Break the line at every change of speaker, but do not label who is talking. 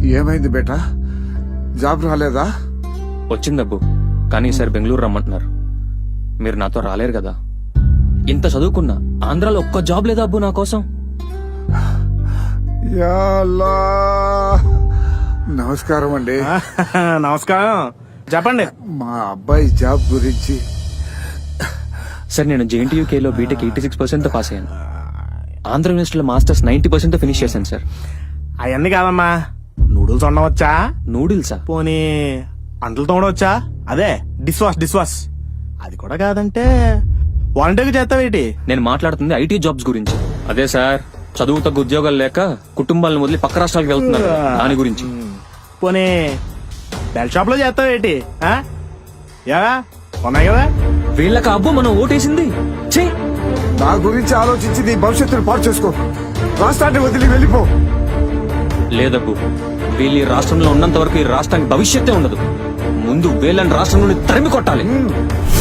ఏమైంది బేటా? జాబ్ రాలేదా?
వచ్చిందబ్బు, కానీ ఈసారి బెంగళూరు రమ్మంటున్నారు. మీరు నాతో రాలేరు కదా. ఇంత చదువుకున్నా ఆంధ్రాలో ఒక్క జాబ్ లేదా అబ్బు నా కోసం?
యా అల్లా. నమస్కారం అండి.
నమస్కారం, చెప్పండి.
మా అబ్బాయి జాబ్ గురించి.
సార్, నేను JNTUKలో బీటెక్ 86% పాస్ అయ్యాను. ఆంధ్ర యూనివర్సిటీలో మాస్టర్స్ 90% ఫినిష్ చేశాను సార్.
అవన్నీ కాదమ్మా, నూడిల్స్ వండవచ్చా?
నూడిల్సా?
పోనీ అంటలు తోడవచ్చా? అదే డిష్ వాష్. అది కూడా కాదంటే వాలంటీర్గా చేస్తావేటి?
నేను మాట్లాడుతుంది IT జాబ్స్ గురించి. అదే సార్, చదువు తగ్గ ఉద్యోగాలు లేక కుటుంబాలను వదిలి పక్క రాష్ట్రాలకు వెళ్తున్నారు, దాని గురించి.
పోనీ బెల్ షాప్ లో చేస్తావేటి? యా ఉన్నాయి కదా.
వీళ్ళకి అబ్బు మనం ఓటేసింది. ఛీ!
నా గురించి ఆలోచించి నీ భవిష్యత్తును పాడు చేసుకో. రాష్ట్రాన్ని వదిలి వెళ్ళిపో.
లేదబ్బు, వీళ్ళు ఈ రాష్ట్రంలో ఉన్నంత వరకు ఈ రాష్ట్రానికి భవిష్యత్తే ఉండదు. ముందు వీళ్ళని రాష్ట్రం నుండి తరిమి కొట్టాలి.